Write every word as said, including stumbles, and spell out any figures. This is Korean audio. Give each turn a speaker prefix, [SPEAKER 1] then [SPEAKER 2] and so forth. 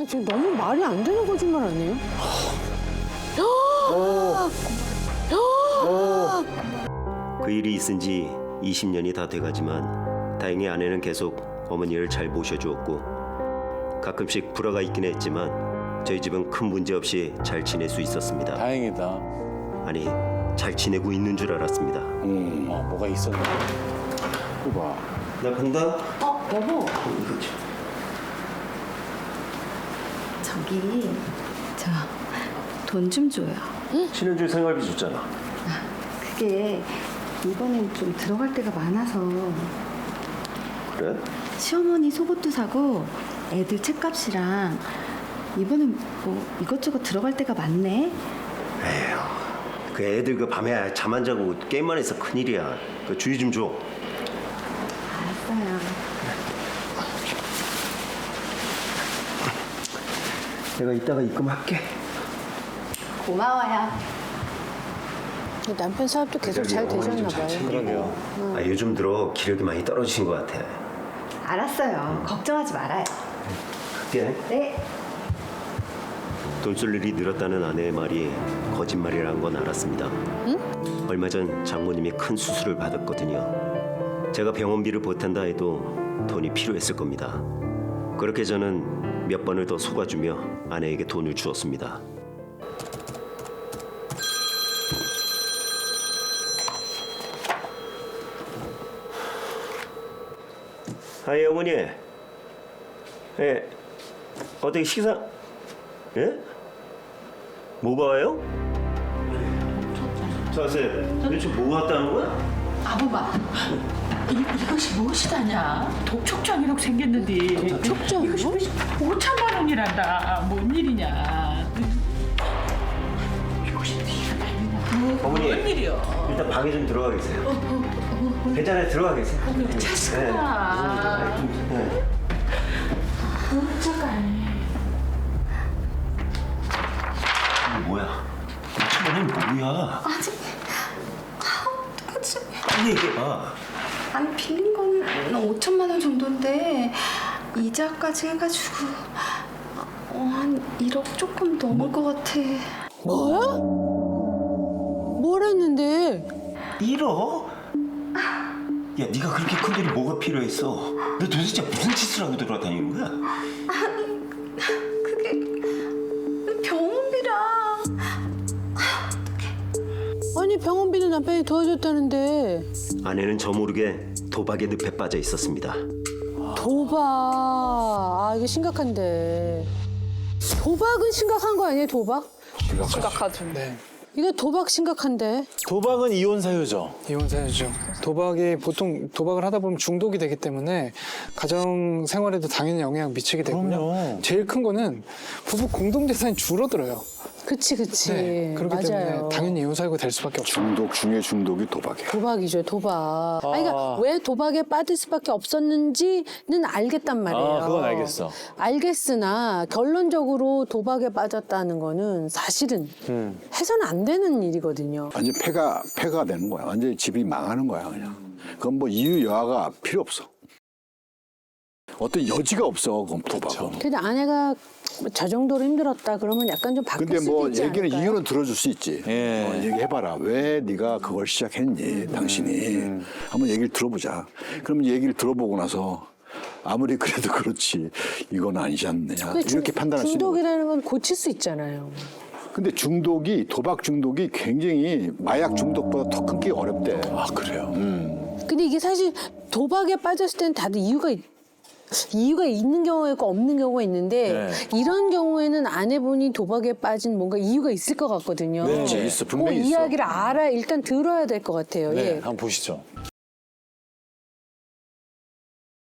[SPEAKER 1] 아, 지금 너무 말이 안 되는 거짓말 아니에요?
[SPEAKER 2] 그 일이 있은 지 이십 년이 다 돼가지만 다행히 아내는 계속 어머니를 잘 모셔주었고 가끔씩 불화가 있긴 했지만 저희 집은 큰 문제 없이 잘 지낼 수 있었습니다.
[SPEAKER 3] 다행이다.
[SPEAKER 2] 아니, 잘 지내고 있는 줄 알았습니다.
[SPEAKER 3] 음, 어, 뭐가 있었나? 이거 봐.
[SPEAKER 2] 나 간다.
[SPEAKER 4] 어, 여보. 저기, 저 돈 좀 줘요.
[SPEAKER 2] 신혼줄 생활비 줬잖아.
[SPEAKER 4] 그게 이번엔 좀 들어갈 데가 많아서
[SPEAKER 2] 그래?
[SPEAKER 4] 시어머니 속옷도 사고 애들 책값이랑 이번엔 뭐 이것저것 들어갈 데가 많네.
[SPEAKER 2] 에휴, 그 애들 그 밤에 잠 안 자고 게임만 해서 큰일이야. 그 주의 좀 줘.
[SPEAKER 4] 알았어요.
[SPEAKER 2] 내가 이따가 입금할게.
[SPEAKER 4] 고마워요.
[SPEAKER 1] 남편 사업도 계속 잘 되셨나 봐요.
[SPEAKER 3] 그러게요.
[SPEAKER 2] 아, 요즘 들어 기력이 많이 떨어지신 것 같아.
[SPEAKER 4] 알았어요. 걱정하지 말아요.
[SPEAKER 2] 갈게.
[SPEAKER 4] 네.
[SPEAKER 2] 돈 쓸 일이 늘었다는 아내의 말이 거짓말이라는 건 알았습니다. 응? 얼마 전 장모님이 큰 수술을 받았거든요. 제가 병원비를 보탠다 해도 돈이 필요했을 겁니다. 그렇게 저는 몇 번을 더 속아주며 아내에게 돈을 주었습니다. 아이 어머니, 예, 어떻게 식사? 예? 뭐가 와요? 자세, 도대체 뭐가 왔다는 거야?
[SPEAKER 5] 아부마, 이, 이것이 무엇이다냐? 독촉장이라고 생겼는데
[SPEAKER 1] 독촉장이요?
[SPEAKER 5] 이것이 오천만 원이란다. 뭔 일이냐? 이것이 네가 달리냐?
[SPEAKER 2] 어머니.
[SPEAKER 5] 뭔 일이야?
[SPEAKER 2] 일단 방에 좀 들어가 계세요. 괜찮아요, 들어가 계세요.
[SPEAKER 5] 자식아.
[SPEAKER 2] 네.
[SPEAKER 5] 잠깐.
[SPEAKER 2] 이게 뭐야? 오천만 원이 뭐야?
[SPEAKER 4] 아니, 아, 어떡하지?
[SPEAKER 2] 빨리 얘기해봐.
[SPEAKER 4] 아니, 빌린 건 오천만 원 정도인데 이자까지 해가지고 어, 한 일억 조금 넘을 것 같아.
[SPEAKER 1] 뭐야? 뭘 했는데?
[SPEAKER 2] 일억? 야, 네가 그렇게 큰 돈이 뭐가 필요했어? 너 도대체 무슨 짓을 하고 돌아다니는 거야?
[SPEAKER 4] 그게 병원비랑.
[SPEAKER 1] 아니 병원비는 남편이 도와줬다는데.
[SPEAKER 2] 아내는 저 모르게 도박의 늪에 빠져 있었습니다.
[SPEAKER 1] 도박. 아 이게 심각한데. 도박은 심각한 거 아니에요, 도박?
[SPEAKER 6] 심각하죠. 네.
[SPEAKER 1] 이거 도박 심각한데.
[SPEAKER 3] 도박은 이혼 사유죠.
[SPEAKER 6] 이혼 사유죠. 도박이 보통 도박을 하다 보면 중독이 되기 때문에 가정 생활에도 당연히 영향 미치게 되고요.
[SPEAKER 3] 그럼요.
[SPEAKER 6] 제일 큰 거는 부부 공동 재산이 줄어들어요.
[SPEAKER 1] 그치 그치.
[SPEAKER 6] 네. 그렇기
[SPEAKER 1] 맞아요.
[SPEAKER 6] 때문에 당연히 이혼 사유가 될 수밖에 없죠.
[SPEAKER 7] 중독 중에 중독이 도박이야.
[SPEAKER 1] 도박이죠, 도박. 아. 아니, 그러니까 왜 도박에 빠질 수밖에 없었는지는 알겠단 말이에요.
[SPEAKER 3] 아, 그건 알겠어.
[SPEAKER 1] 알겠으나 결론적으로 도박에 빠졌다는 거는 사실은
[SPEAKER 3] 음.
[SPEAKER 1] 해서는 안 되는 일이거든요.
[SPEAKER 7] 완전 폐가 폐가 되는 거야. 완전 집이 망하는 거야 그냥. 그건 뭐 이유 여하가 필요 없어. 어떤 여지가 없어 그건 도박은.
[SPEAKER 1] 근데 아내가 저 정도로 힘들었다 그러면 약간 좀 바꿀
[SPEAKER 7] 근데
[SPEAKER 1] 수도
[SPEAKER 7] 뭐
[SPEAKER 1] 있지
[SPEAKER 7] 얘기는
[SPEAKER 1] 않을까요?
[SPEAKER 7] 이유는 들어줄 수 있지.
[SPEAKER 3] 예.
[SPEAKER 7] 어, 얘기해봐라. 왜 네가 그걸 시작했니, 당신이. 한번 얘기를 들어보자. 그러면 얘기를 들어보고 나서 아무리 그래도 그렇지 이건 아니지 않느냐
[SPEAKER 1] 근데 중-
[SPEAKER 7] 이렇게 판단할 수 있는 거지.
[SPEAKER 1] 중독이라는 건 고칠 수 있잖아요.
[SPEAKER 7] 근데 중독이 도박 중독이 굉장히 마약 중독보다 더 끊기 어렵대.
[SPEAKER 3] 아, 그래요?
[SPEAKER 1] 근데 이게 사실 도박에 빠졌을 때는 다들 이유가 있, 이유가 있는 경우가 있고 없는 경우가 있는데
[SPEAKER 3] 네.
[SPEAKER 1] 이런 경우에는 아내분이 도박에 빠진 뭔가 이유가 있을 것 같거든요.
[SPEAKER 3] 네,
[SPEAKER 7] 있어, 분명히
[SPEAKER 1] 그
[SPEAKER 7] 있어.
[SPEAKER 1] 이야기를 알아 일단 들어야 될 것 같아요.
[SPEAKER 3] 네,
[SPEAKER 1] 예.
[SPEAKER 3] 한번 보시죠.